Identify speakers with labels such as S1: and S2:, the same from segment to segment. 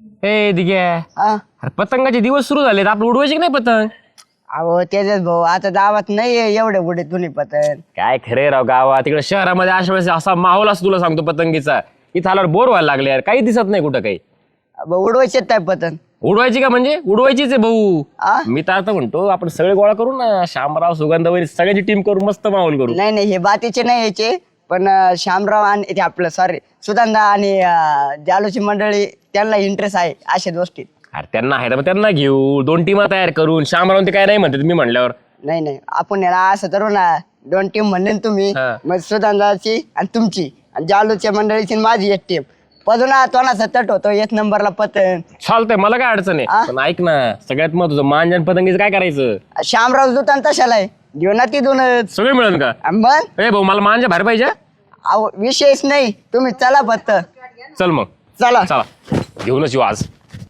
S1: ए दिघ्या अरे पतंगाचे दिवस सुरू झालेत आपलं उडवायचे की नाही पतंग?
S2: अहो तेजस भाऊ आता गावात नाहीये एवढे कुठे तुम्ही पतंग.
S1: काय खरे राव गावात तिकडे शहरामध्ये अशा वेळेस असा माहोल असतो तुला सांगतो पतंगीचा. इथं आल्यावर बोर व्हायला लागले यार, काही दिसत नाही कुठं काही.
S2: उडवायचे काय पतंग?
S1: उडवायची का म्हणजे उडवायचीच आहे भाऊ.
S2: आ?
S1: मी तर आता म्हणतो आपण सगळे गोळा करू ना, शामराव सुगंधावरी सगळ्याची टीम करू, मस्त माहोल करू.
S2: नाही नाही हे बातीचे नाही यायचे पण श्यामराव आणि ते आपलं सॉरी सुदांदा आणि जालूची मंडळी त्यांना इंटरेस्ट आहे अशा गोष्टीत.
S1: अरे त्यांना आहे तर मग त्यांना घेऊ, 2 टीमा तयार करून. शामराव ते काय नाही म्हणतात मी म्हणल्यावर.
S2: नाही नाही आपण याला असं करू ना, 2 टीम म्हणले ना तुम्ही,
S1: हा.
S2: मग सुदांदाची आणि तुमची आणि जालूच्या मंडळीची आणि माझी एक टीम. पदुना तोंडाचा तट होतो 1 नंबरला पतंग.
S1: चालतंय, मला काय अडचण आहे. पण ऐक ना, सगळ्यात महत्वाचं मांजन पतंगीचं काय करायचं?
S2: श्यामराव दुकान तशाला आहे, घेऊ ना तिथूनच.
S1: सगळे मिळेल का?
S2: मग
S1: ए भाऊ मला मांजा बाहेर पाहिजे.
S2: अहो विशेष नाही, तुम्ही चला फक्त.
S1: चल मग
S2: चला
S1: चला घेऊनच येऊ आज.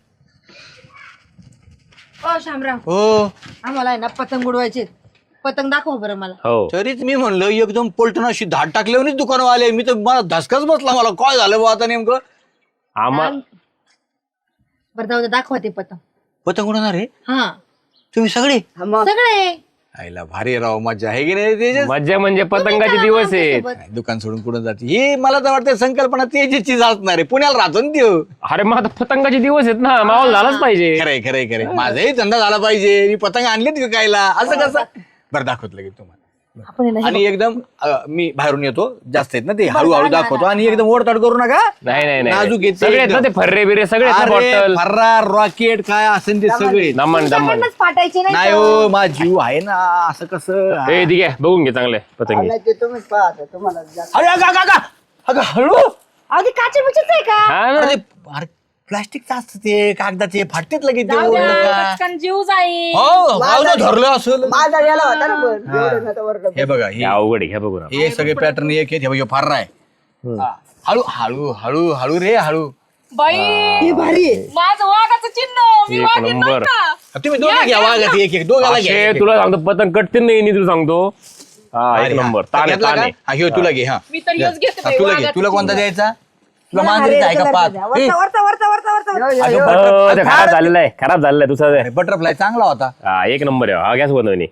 S3: ओ शामराव,
S4: हो
S3: आम्हाला आहे ना पतंग उडवायचे. पतंग दाखव बरं मला.
S1: हो
S4: तरीच मी म्हणलं एकदम पलटून अशी धाड टाकल्यावरच दुकान आले. मी तर मला धसकाच बसला, मला काय झालं बा आता नेमकं.
S1: आम्हाला
S3: बरं जाऊ दे, दाखवा ते पतंग.
S4: पतंग उडवणार आहे
S3: हा
S4: तुम्ही सगळे?
S2: मग
S3: सगळे.
S4: आईला भारी राव, मजा आहे की नाही तेजस?
S1: मज्जा म्हणजे पतंगाचे दिवस आहेत.
S4: नाही, दुकान सोडून कुठं जाते हे मला तर वाटतं संकल्पना तेजसचीच असणार आहे. पुण्याला राहतो ना त्यो.
S1: अरे मग आता पतंगाचे दिवस आहेत ना, माहोल झालाच पाहिजे.
S4: खरंय खरंय खरंय, माझाही धंदा झाला पाहिजे. मी पतंग आणलेत विकायला, असं कसं? बरं दाखवत लगेच तुम्हाला.
S3: आपण आहे ना
S4: आणि एकदम मी बाहेरून येतो, जास्त आहेत ना ते, हळूहळू दाखवतो. आणि एकदम ओढताड करू नका.
S1: नाही
S4: नाजूक
S1: नाही
S4: आहेत
S1: सगळे आहेत ना ते, फर्रे बिरे सगळे आहेत ना,
S4: अरे
S1: बॉटल
S4: फर्रार रॉकेट काय असेल ते सगळे.
S1: दमन दमन.
S3: तुमच्याकडनंच फाटायचे
S4: नाही
S3: नाही
S4: हो, माझा जीव आहे ना, असं कसं?
S1: ए ठीक आहे, बघून घे चांगले पतंगी.
S2: नाही ते तुम्हीच पाहता तुम्हाला जास्त.
S4: अरे अगं, अगं, अगं, अगं, हळू.
S3: अगदी काचे बिचेच आहे का?
S1: हा ना.
S4: अरे अरे प्लास्टिकचं असतं ते, कागदाचे फाटतेत लगेच ते
S3: जाऊ
S4: ओढलं
S3: द्या,
S4: का.
S3: पटकन जीव जाईल.
S4: हो भावना धरलं असेल.
S2: माझा गेला होता ना पण एवढं नव्हतं वरडं.
S4: हे बघा
S1: हे अवघड आहे, घ्या बघू ना.
S4: हे सगळे पॅटर्न एक आहेत. हे बघा फार आहे. हा. हळू हळू हळू हळू रे हळू.
S3: बाई
S2: हे भारी आहे.
S3: माझं वाघाचं चिन्ह. मी
S1: एक
S3: वाघीण नाही
S1: नंबर.
S3: का?
S4: तुम्ही दोघं घ्या वागत, एक एक दोघाला घ्या.
S1: अक्षय, तुला सांगतो पतंग कटतील नाही तुला सांगतो. हा एक
S4: अरे,
S1: नंबर.
S4: हा.
S1: ताने
S4: घेतला का?
S1: ताने.
S4: हा, ह्यो तुला घे. हा
S3: मी तर ह्योच घेते
S4: हा,
S3: बाई,
S4: तुला घे.
S3: वाघाचं
S4: तुला कोणता
S3: चिन्ह.
S4: द्यायचा? तुला मांजरीचा आहे का पाच?
S3: वरचा, वरचा, वरचा, वरचा, वरचा.
S2: यो, यो,
S4: अगं,
S2: यो.
S1: हो, ते खराब झालेला आहे, खराब झालेला आहे दुसरा.
S4: बटरफ्लाय चांगला होता.
S1: हा एक नंबर आहे. हा गॅस बनवणी.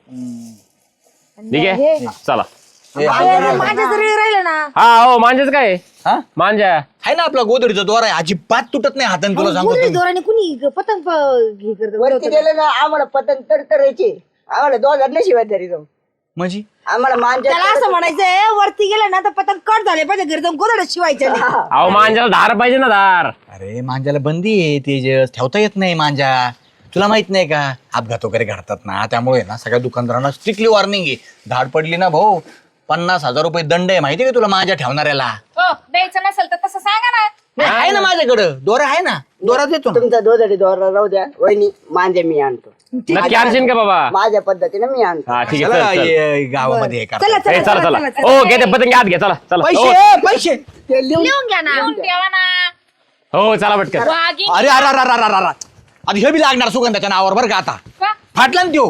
S1: ठीक आहे चला.
S4: हे,
S3: माझ्या जरी राहिलं ना.
S1: हा हो मांजाच काय आहे?
S4: हा?
S1: मांजा
S4: आहे ना आपला गोदडीचा दोरा आहे, अजिबात तुटत नाही हाताने. तुला सांगतो
S3: कुणी
S4: तुम्ही.
S3: दोराने कुणी पतंग हे करत
S2: वरती गेले ना आम्हाला पतंग तरतरायचे. आम्हाला 2000 शिवाय तरी जाऊ.
S4: म्हणजे
S2: आम्हाला मांजा
S3: त्याला असं म्हणायचंय, वरती गेलं ना तर पतंग कट झाले पाहिजे, घरी जाऊन गोदडे शिवायचे नाही.
S1: अहो मांजाला धार पाहिजे ना, धार.
S4: अरे मांजाला बंदी आहे तेजस, ठेवता येत नाही मांजा. तुला माहित नाही का, अपघात वगैरे घडतात ना, त्यामुळे ना सगळ्या दुकानदारांना स्ट्रिक्टली वॉर्निंग आहे. धाड पडली ना भाऊ, 50,000 रुपये दंड आहे. माहिती का तुला मांजा ठेवणाऱ्याला?
S3: हो, द्यायचं नसेल तर तसं सांगा ना.
S4: नाही, आहे ना माझ्याकडं दोरा, आहे ना दोरा देतो ना.
S2: तुमचा 2 दोरा राहू द्या. वहिनी मांजा मी आणतो
S1: नक्की आणशील का बाबा?
S2: माझ्या पद्धतीने मी आणतो.
S1: हा ठीक
S4: चला,
S1: आहे चल, चल.
S4: ये गावामध्ये हे करा.
S1: ए, चला चला. हो घे ते पतंग आत घ्या, चला चला. हो.
S4: पैसे पैसे.
S2: ते लिहून
S3: लिहून घ्या ना. लिहून ठेवा ना.
S1: हो चला पटकन.
S3: वाघीण.
S4: अरे अरे अरे अरे अरे अरे. आता हे बी लागणार सुगंधाच्या नावावर बरं का. आता
S3: का?
S4: फाटला ना त्यो.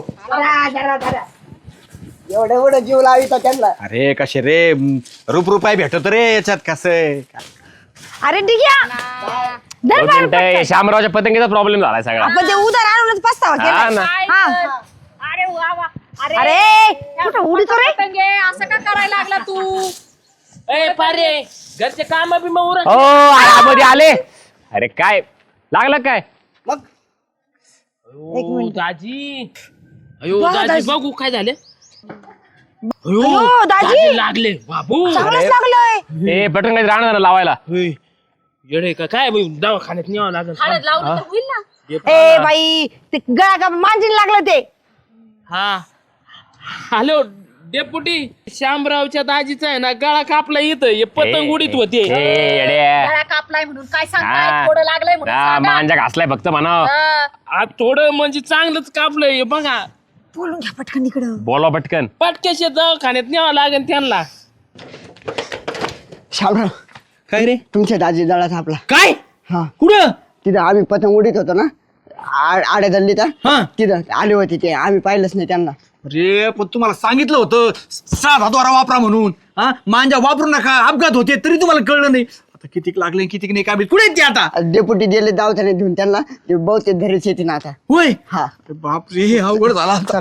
S2: एवढं एवढं जीव लाविता त्यांना.
S4: अरे कसे रे, रुपये भेटत रे याच्यात. कसं
S3: अरे ठीक आहे.
S1: दोन मिनिटं, हे शामरावच्या पतंगीचा प्रॉब्लेम झालाय सगळा.
S3: आपण ते उधार आणूनच पस्तावा
S1: हा
S3: केला.
S1: ना.
S3: अरे वा वा. अरे कुठं उडीतो रे? असं का करायला लागला तू?
S5: ए पारे घरचे काम बी मग उरक.
S1: हो आरामध्ये आले. अरे काय लागलं काय?
S5: अयो, दाजी अयो दाजी बघू काय झाले. अयो
S3: अयो, दाजी.
S5: लागले बाबू.
S3: चांगलंच लागलंय.
S1: ए पटकन काही राहणार लावायला.
S5: होय. येडे का काय बाई, दवाखान्यात न्यावं लागेल.
S3: लावलं तर होईल ना. ए बाई, ते गळा का मांजीन लागलं ते.
S5: हा हॅलो डेपुटी, शामरावच्या दाजीचा आहे ना गळा कापला इथं, हे पतंग उडीत होते.
S1: ए, येड्या.
S3: गळा कापलाय म्हणून काय
S1: हा.
S3: सांगताय? थोडं लागलंय म्हणून
S1: हा,
S3: सांगा.
S1: मांजा घासलाय फक्त म्हणा.
S3: हा.
S5: आज थोडं म्हणजे चांगलंच कापलंय हे बघा.
S3: बोलून घ्या पटकन इकडं.
S1: बोला पटकन.
S5: पटक्याच्या दवाखान्यात न्यावं लागेल त्यांना.
S2: शामराव
S4: काय रे?
S2: तुमच्या दाजी दळा आपला.
S4: काय
S2: हा
S4: कुठं?
S2: तिथं आम्ही पतंग उडीत होतो ना, आड्या दल्ली तर
S4: हा.
S2: तिथं आले होते ते, आम्ही पाहिलंच नाही त्यांना.
S4: अरे पण तुम्हाला सांगितलं होतं साधा द्वारा वापरा म्हणून. हा, मांजा वापरू नका, अपघात होते, तरी तुम्हाला कळलं नाही. आता कितीक लागले कितीक नाही काय माहित. कुठे आहेत ते आता?
S2: डेपुटी दिले दवाखान्यात घेऊन त्यांना ते बहुतेक घरीच येते ना आता.
S4: होय
S2: हा
S4: अरे बापरे हे अवघड झाला आता.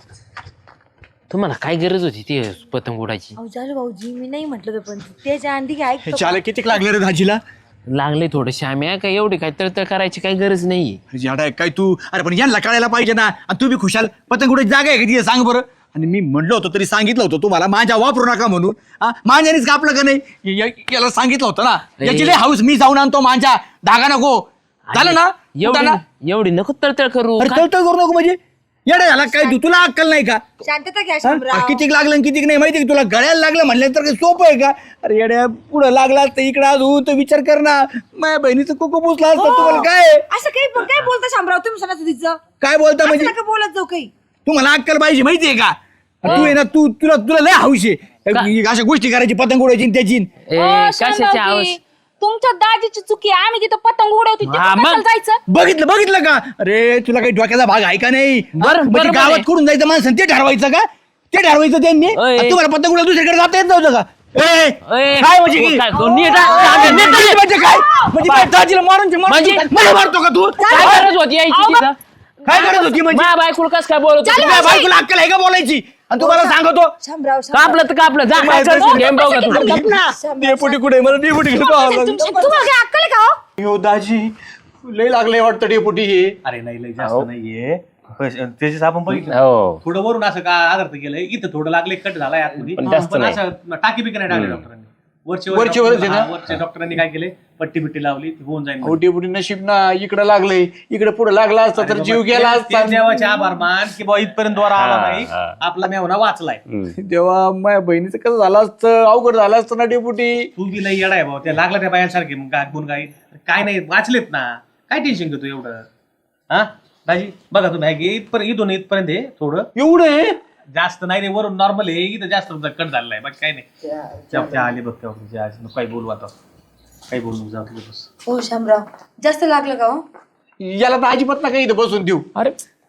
S5: तुम्हाला काय गरज होती ती पतंग उडायची?
S3: अहो झालं भाऊजी मी नाही म्हटलं पण त्याच्या आंधी काय
S4: हे चाले कितीक लागले रे दाजीला?
S5: लागले थोडं श्याम्या काय एवढी काय तळतळ करायची काही गरज नाही.
S4: याडा काय तू? अरे पण यांना कळायला पाहिजे ना. आणि तू बी खुशाल पतंग कुठे जागा आहे का तिथे सांग बरं. आणि मी म्हणलो होतो तरी सांगितलं होतं तुम्हाला माझ्या वापरू नका म्हणून. माझ्यानेच कापलं का नाही? याला सांगितलं होतं ना. याची लय हाऊस मी जाऊन आणतो माझ्या धागा नको झालं ना.
S5: एवढी नको तळतळ करू.
S4: अरे तळतळ करू नको म्हणजे येडा झाला काय तू? तुला अक्कल नाही का?
S3: शांतता घ्या शामराव.
S4: कितीक लागलं आणि कितीक नाही माहिती का तुला? गळ्याला लागलं म्हणलं तर काही सोपं आहे का? अरे येड्या पुढं लागला तर इकडं अजून तर विचार कर ना. माझ्या बहिणीचं कुकू पुसला असतं तुम्हाला काय
S3: असं काय बोलता शामराव तुम्ही सणा तुझीचं
S4: काय बोलता म्हणजे?
S3: नका बोलत जाऊ काही.
S4: तुम्हाला अक्कल पाहिजे माहितीये का? तू आहे ना तुला लय हौस आहे अशा गोष्टी करायची पतंग उडायची आणि त्याची.
S5: कशाची आवाज?
S3: तुमच्या दाजीची चुकी आहे. आम्ही तिथं पतंग उडवतो
S5: हा, मग?
S3: जायचं.
S4: बघितलं का? अरे तुला काही डोक्याचा भाग आहे का नाही?
S5: बरोबर
S4: म्हणजे
S5: आहे.
S4: गावात कुठून जायचं माणसं ते ठरवायचं का? ते ठरवायचं त्यांनी.
S5: ओय.
S4: आणि तुम्हाला पतंग उडवून दुसरीकडे जाता येत नव्हतं का? ए,
S5: ओय.
S4: काय म्हणजे की?
S5: काय तो नीट
S4: म्हणजे काय? म्हणजे काय दाजीला मारून
S5: म्हणजे?
S4: मला मारतो का तू?
S5: काय गरज होती यायची तिथं?
S4: काय करत होती म्हणजे?
S5: माझ्या बायकोला कस काय बोलत होती?
S4: तुझ्या बायकोला अक्कल आहे का बोलायची? आणि तुम्हाला सांगतो
S3: शामराव
S5: कापलं तर कापलं जा काय करशील? गेम बघा तू.
S4: डेपुटी कुठे मला डेपुटी
S3: तुम्हाला काय अक्कल आहे का हो?
S4: यो दाजी लय लागले वाटतं डेपुटी हे.
S6: अरे नाही लय जास्त नाहीये त्याच्याच आपण बघितलं
S1: हो
S6: थोडं वरून असं का आदर्थ केलंय इथं थोडं लागले कट झालाय आतमध्ये
S1: पण जास्त
S6: पण
S1: नाही.
S6: असं टाकी बिकी नाही टाकली डॉक्टरांनी
S4: वरचे
S6: वरचे
S4: वरच आहे ना?
S6: वरचे डॉक्टरांनी काय केले पट्टी बिट्टी लावली ती होऊन जाईल
S4: हो डेपुटी नशीब ना इकडे लागले. इकडे पुढे लागला असता तर जीव गेला असता.
S6: देवाचे आभार मान की बाबा इथपर्यंत द्वारा आला नाही
S1: हा.
S6: आपला मेवना वाचलाय
S4: तेव्हा माझ्या बहिणीचं कसं झालं असतं? अवघड झालं असतं ना डेपुटी.
S6: तू बी लई येडा आहे भाऊ त्या लागला त्या बायांसारखे मग गुण काय नाही वाचलेत ना काय टेन्शन घेतो एवढं हा दाजी बघा तुम्ही इथपर्यंत आहे थोडं
S4: एवढं आहे?
S6: जास्त नाही रे वरून नॉर्मल आहे इथं जास्त कट झालेला आहे बाकी काही नाही त्या आले बघ तेव्हा काही बोलू आता काही बोलू जाऊ तुझं बस
S3: हो शामराव जास्त लागलं का हो?
S4: याला तर अजिबात ना काही इथं बसून देऊ.
S1: अरे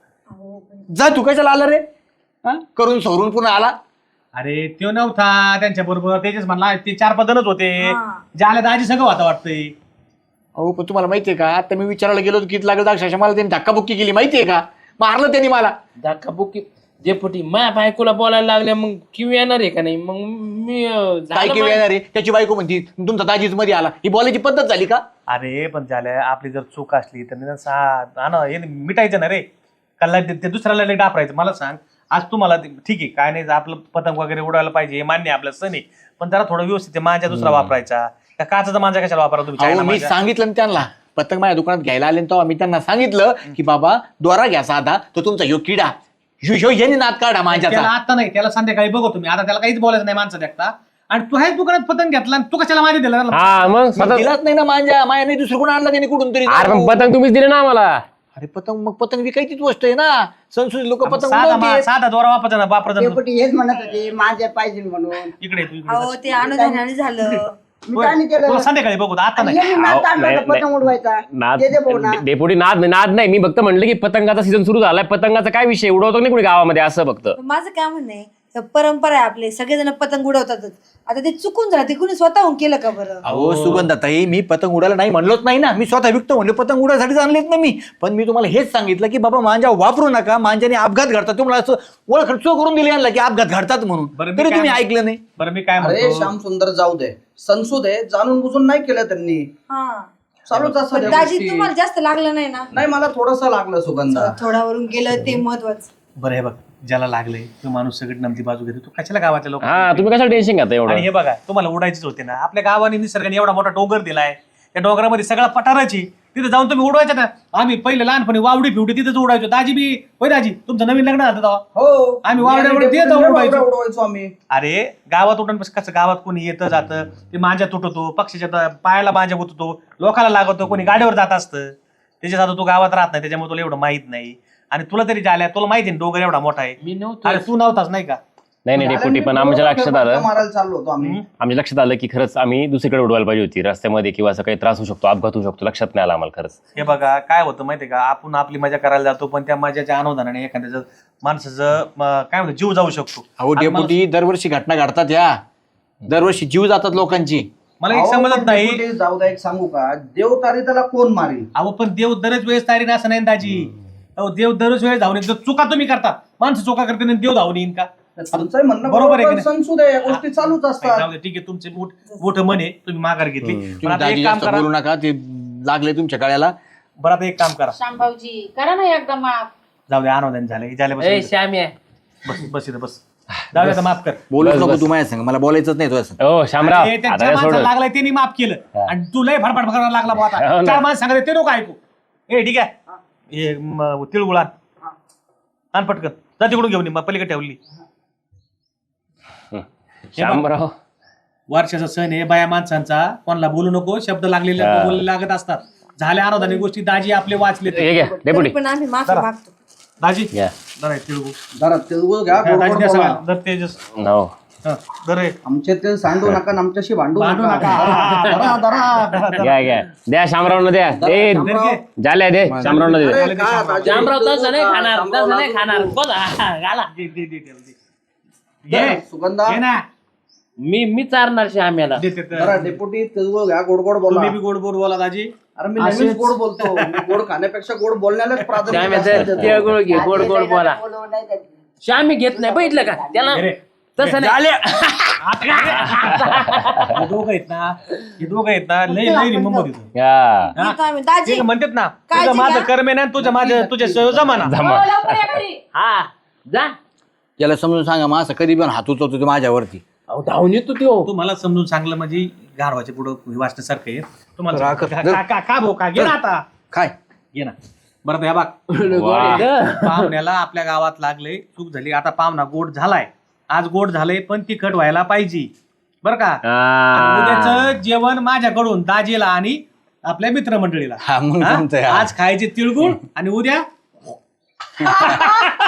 S4: जा तू कशाला आला रे? हा? करून सवरून पुन्हा आला.
S6: अरे तो नव्हता त्यांच्या बरोबर त्याच्याच म्हणला ते 4-5 जणच होते जे आले दाजी सगळं होता वाटतंय.
S4: अहो पण तुम्हाला माहितीये का आता मी विचारायला गेलो होतो किती लागलं अक्षरशः मला त्यांनी धक्काबुक्की केली माहितीये का? मारलं त्यांनी मला.
S5: धक्का बुक्की डेपुटी माझ्या बायकोला बोलायला लागल्या मग किव येणार आहे का नाही? मग मी
S4: काय केलं येणार आहे? त्याची बायको म्हणती तुमचा दाजीच मध्ये आला. ही बोलायची पद्धत झाली का?
S6: अरे पण झाल्या आपली जर चूक असली तर हे मिटायचं ना रे कल्ला ते दुसऱ्याला लय डापरायचं. मला सांग आज तुम्हाला ठीक आहे काय नाही आपलं पतंग वगैरे उडवायला पाहिजे हे मान्य आपलं सण आहे पण जरा थोडं व्यवस्थित माझ्या दुसरा वापरायचा का काचाचा माझा कशाला वापरा तुम्ही?
S4: अहो, मी सांगितलं ना त्यांना पतंग माझ्या दुकानात घ्यायला आले तेव्हा मी त्यांना सांगितलं की बाबा दोरा घ्या साधा तो तुमचा ह्यो किडा ह्यो याने नाद काढा
S6: त्याला
S4: माझ्याचा.
S6: आता नाही त्याला संध्याकाळी बघू तुम्ही आता त्याला काहीच बोलायचं नाही माणसं देखता आणि तू ह्याच दुकानात पतंग घेतला आणि तू कशाला माझ्या दिला
S1: हा मग
S4: मग
S1: स्वतः
S4: दिलाच नाही ना माझ्या मायाने दुसरं कोण आणला त्याने कुठून तरी.
S1: अरे पण पतंग तुम्हीच दिले ना आम्हाला.
S4: अरे पतंग मग पतंग विकायचीच गोष्ट आहे ना. संस्कृती लोक पतंग उडवतात.
S6: साधा दोरा वापरायचा ना वापरायचा ना.
S2: डेपुटी हेच म्हणत होते माझ्या पाहिजे म्हणून.
S6: इकडे तू इकडे
S3: अहो ते अनुदानाने झालं.
S2: मी काय नाही केलं.
S6: तुला संध्याकाळी बघू आता नाही
S2: यांनी नाद काढला
S1: नाही,
S2: होता पतंग उडवायचा.
S1: नाद
S2: दे भाऊ ना.
S1: डेपुटी नाद नाही मी फक्त म्हणलं की पतंगाचा सीझन सुरू झालाय पतंगाचा काय विषय उडवतो नाही कोणी गावामध्ये असं फक्त.
S3: माझं काय म्हणणं आहे परंपरा आहे आपले सगळेजण पतंग उडवतातच. आता ते चुकून झालं ते कुणी स्वतःहून केलं का बरं?
S4: अहो सुगंधाताई मी पतंग उडायला नाही म्हणलोच नाही ना. मी स्वतः विकतो म्हणले पतंग उडायसाठी आणलेत ना मी. पण मी तुम्हाला हेच सांगितलं की बाबा मांजा वापरू नका मांजाने अपघात घडतात. तुम्हाला असं ओळख करून दिली आणला की अपघात घडतात म्हणून
S6: बरं, मी
S4: तरी
S6: काय
S4: तुम्ही
S6: म्हणतो?
S4: ऐकलं नाही.
S6: बरं मी काय
S7: अरे
S6: म्हणतो
S7: श्याम सुंदर जाऊ दे संसद आहे जाणून बुजून नाही केलं त्यांनी
S3: हा
S7: चालूच असं
S3: पण
S7: त्या
S3: दाजी
S7: गोष्टी.
S3: तुम्हाला जास्त लागलं नाही ना?
S7: नाही मला थोडस लागलं सुगंधा.
S3: थोडावरून गेलं ते महत्वाचं.
S6: बरं हे बघ ज्याला लागलंय तो माणूस सगळी नमती बाजू घेतो तू कशाला गावाच्या लोक
S1: हा तुम्ही कशाला टेन्शन घेता
S6: आणि
S1: एवढं?
S6: हे बघा तुम्हाला उडायचीच होते ना आपल्या गावाने निसर्गाने एवढा मोठा डोंगर दिलाय त्या डोंगरामध्ये सगळा पठाराची तिथे जाऊन तुम्ही उडवायच्या ना. आम्ही पहिले लहानपणी वावडी फिवडी तिथेच उडायचो. दाजी बी होय दाजी तुमचं नवीन लग्न झालं तेव्हा
S7: हो
S6: आम्ही वावड्यावर तिथे जाऊन उडवायचो.
S7: उडवायचो आम्ही.
S6: अरे गावात उडून कसं गावात कोणी येतं जातं ते मांजा तुटतो पक्षीच्या पायाला मांजा गुततो लोकाला लागतो कोणी गाडीवर जात असतं त्याच्यात आता तू गावात राहत नाही त्याच्यामुळे तुला एवढं माहित नाही. आणि तुला तरी झाल्या तुला माहिती ना डोंगर एवढा मोठा आहे.
S5: मी नव्हतो.
S6: अरे तू नव्हताच नाही का?
S1: नाही डेपुटी पण आमच्या लक्षात आलं
S7: मारायला चाललो होतो आम्ही.
S1: आमच्या लक्षात आलं की खरंच आम्ही दुसरीकडे उडवायला पाहिजे होती रस्त्यामध्ये किंवा असं काही त्रास होऊ शकतो अपघात होऊ शकतो लक्षात नाही आलं आम्हाला खरंच.
S6: हे बघा काय होतं माहितीये का आपण आपली मजा करायला जातो पण त्या मजाच्या अनुदानाने एखाद्याचं माणसाचं काय म्हणतो जीव जाऊ शकतो.
S4: अहो डेपुटी दरवर्षी घटना घडतात या दरवर्षी जीव जातात लोकांची.
S6: मला एक
S7: अहो,
S6: समजत
S7: पण
S6: नाही.
S7: डेपुटी, जाऊ द्या एक सांगू का, देव तारी त्याला कोण मारी.
S6: अहो पण देव दरच वेळेस तारी असं नाही ना दाजी. अहो देव दरच वेळेस धावून येतो. चुका तुम्ही करतात, माणसं चुका करते आणि देव धावून येईन का?
S7: तुमचं म्हणणं
S6: बरोबर आहे की
S7: बरोबर,
S6: नाही?
S7: संसू द्या, या गोष्टी चालूच असतात.
S6: जाऊ दे, ठीक आहे, तुमचे मोठं मन आहे, तुम्ही माघार घेतली. पण
S4: तुम्ही
S6: आता
S4: दाजी
S6: एक काम
S4: जास्त
S6: करा,
S4: बोलू नका, ते लागले तुमच्या गळ्याला.
S6: बरं आता एक काम करा,
S3: शामभाऊजी करा ना एकदा माफ.
S6: जाऊ दे, आनंद झाले
S5: ए श्याम्या
S6: बस बस इथं बस. जाऊ दे आता, माफ कर.
S4: बोलूच
S1: बस,
S4: नको
S1: बस.
S4: तू माझ्या संग, मला बोलायचंच नाही तुझ्या संग.
S1: हो शामराव
S6: अरे,
S1: आता
S6: त्यांच्या
S1: काय
S6: माणसाला
S1: सोडलं
S6: लागलाय त्यांनी माफ केलं आणि तू लय फडफड करायला लागला बुवा
S1: हो
S6: आता.
S1: ना.
S6: चार माणसं सांगत ते नको ऐकू. ठीक आहे, हे तिळगुळ आण पटकन, जा तिकडून घेऊन ये, मग पलीकडे ठेवली.
S1: शामराव
S6: वर्षाचा सण आहे बाया माणसांचा, कोणाला बोलू नको, शब्द लागलेले बोलले लागत असतात. झाल्या आराधने गोष्टी दाजी आपले वाचले.
S1: हे घ्या डेपुटी
S3: पण आम्ही माफी मागतो.
S6: दाजी
S1: घ्या
S6: जरा तिळगुळ.
S7: जरा तिळगुळ घ्या, गोड
S6: दाजी
S7: गोड
S6: द्या
S7: बोला.
S6: सगळ्यांना. दर तेजस
S1: हो
S6: दर आहे.
S7: आमचे ते सांडू नका आणि आमच्याशी भांडू
S6: भांडू
S7: नका.
S6: नका.
S7: धरा, धरा.
S1: घ्या घ्या द्या शामरावनं द्या दे झाल्या दे शामरावनं दे
S7: अरे, काय दाजी?
S5: श्यामराव तसं नाही खाणार, तसं नाही खाणार. बोला घाला.
S6: घे
S7: सुगंधा
S6: घे ना.
S5: मी चारणार श्याम्याला.
S6: दे, दे, दे.
S7: जरा डेपुटी तिळगुळ घ्या, गोड गोड बोला.
S6: तुम्ही बी गोड गोड बोला दाजी.
S7: अरे मी नेहमीच गोड बोलतो. मी गोड खाण्यापेक्षा गोड बोलण्यालाच प्राधान्य
S5: श्याम्याचं
S7: जास्त देतो.
S5: तिळगुळ घे, गोड गोड बोला. श्यामी घेत नाही, बघितलं का त्याला
S6: अरे,
S5: तसं नाही.
S6: हे दोघं आहेत ना लय लय रिमंबर येतो.
S1: हा
S3: येतो आम्ही. दाजी
S6: ते म्हणतात ना,
S3: काळजी
S6: तुझं माझं
S3: घ्या.
S6: कर्म आहे ना, तुझ्या जमाना.
S3: हो, लवकर या घरी.
S5: हा जा.
S4: त्याला समजून सांगा, मग असं कधी पण हात उचलतो तो माझ्यावरती.
S5: अहो धावून येतो त्यो.
S6: तुम्हाला समजून सांगलं म्हणजे गाढवाच्या पुढं वाचण्यासारखं आहे. तुम्हाला का भाऊ का घे ना आता,
S4: काय
S6: घे ना. बरं तर ह्या बाग,
S1: वा.
S6: पाहुण्याला आपल्या गावात लागले, चूक झाली. आता पाहुणा गोड झालाय, आज गोड झालंय, पण तिखट व्हायला पाहिजे बरं का. आणि उद्याचं जेवण माझ्याकडून दाजीला आणि आपल्या मित्रमंडळीला.
S4: हा, मग
S6: हा?
S4: जमतंय, हा.
S6: आज खायचे तिळगुळ आणि उद्या